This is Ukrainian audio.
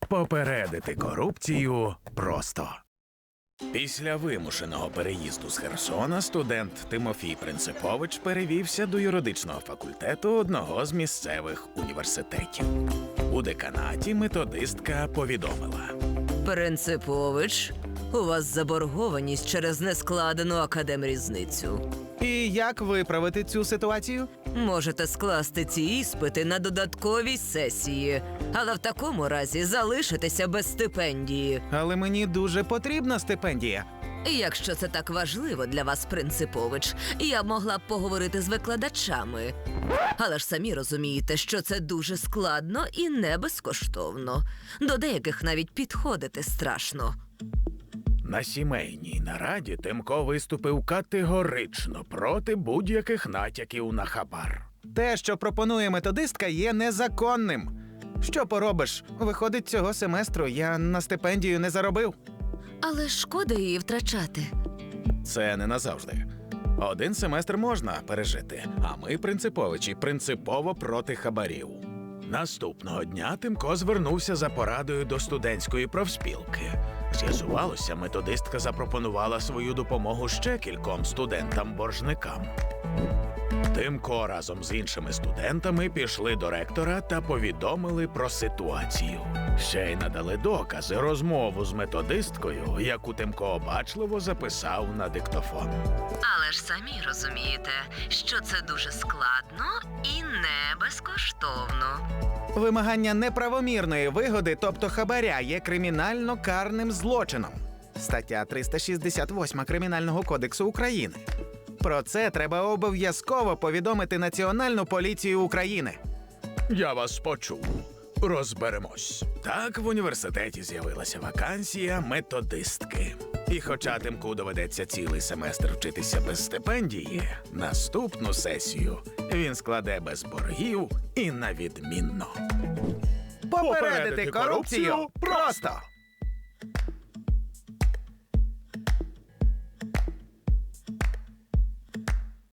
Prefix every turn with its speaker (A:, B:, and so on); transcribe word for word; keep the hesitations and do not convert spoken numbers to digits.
A: Попередити корупцію просто. Після вимушеного переїзду з Херсона студент Тимофій Принципович перевівся до юридичного факультету одного з місцевих університетів. У деканаті методистка повідомила:
B: Принципович, у вас заборгованість через нескладену академрізницю.
C: І як виправити цю ситуацію?
B: Можете скласти ці іспити на додатковій сесії, але в такому разі залишитеся без стипендії.
C: Але мені дуже потрібна стипендія.
B: Якщо це так важливо для вас, Принципович, я б могла б поговорити з викладачами. Але ж самі розумієте, що це дуже складно і не безкоштовно. До деяких навіть підходити страшно.
A: На сімейній нараді Тимко виступив категорично проти будь-яких натяків на хабар.
C: Те, що пропонує методистка, є незаконним. Що поробиш? Виходить, цього семестру я на стипендію не заробив.
B: Але шкода її втрачати.
A: Це не назавжди. Один семестр можна пережити, а ми, принциповичі, принципово проти хабарів. Наступного дня Тимко звернувся за порадою до студентської профспілки. З'ясувалося, методистка запропонувала свою допомогу ще кільком студентам-боржникам. Тимко разом з іншими студентами пішли до ректора та повідомили про ситуацію. Ще й надали докази, розмову з методисткою, яку Тимко обачливо записав на диктофон.
B: Але ж самі розумієте, що це дуже складно і не безкоштовно.
C: Вимагання неправомірної вигоди, тобто хабаря, є кримінально-карним злочином. Стаття триста шістдесят восьма Кримінального кодексу України. Про це треба обов'язково повідомити Національну поліцію України.
A: Я вас почув. Розберемось. Так в університеті з'явилася вакансія методистки. І хоча Тимку доведеться цілий семестр вчитися без стипендії, наступну сесію він складе без боргів і на відмінно.
C: Попередити корупцію просто!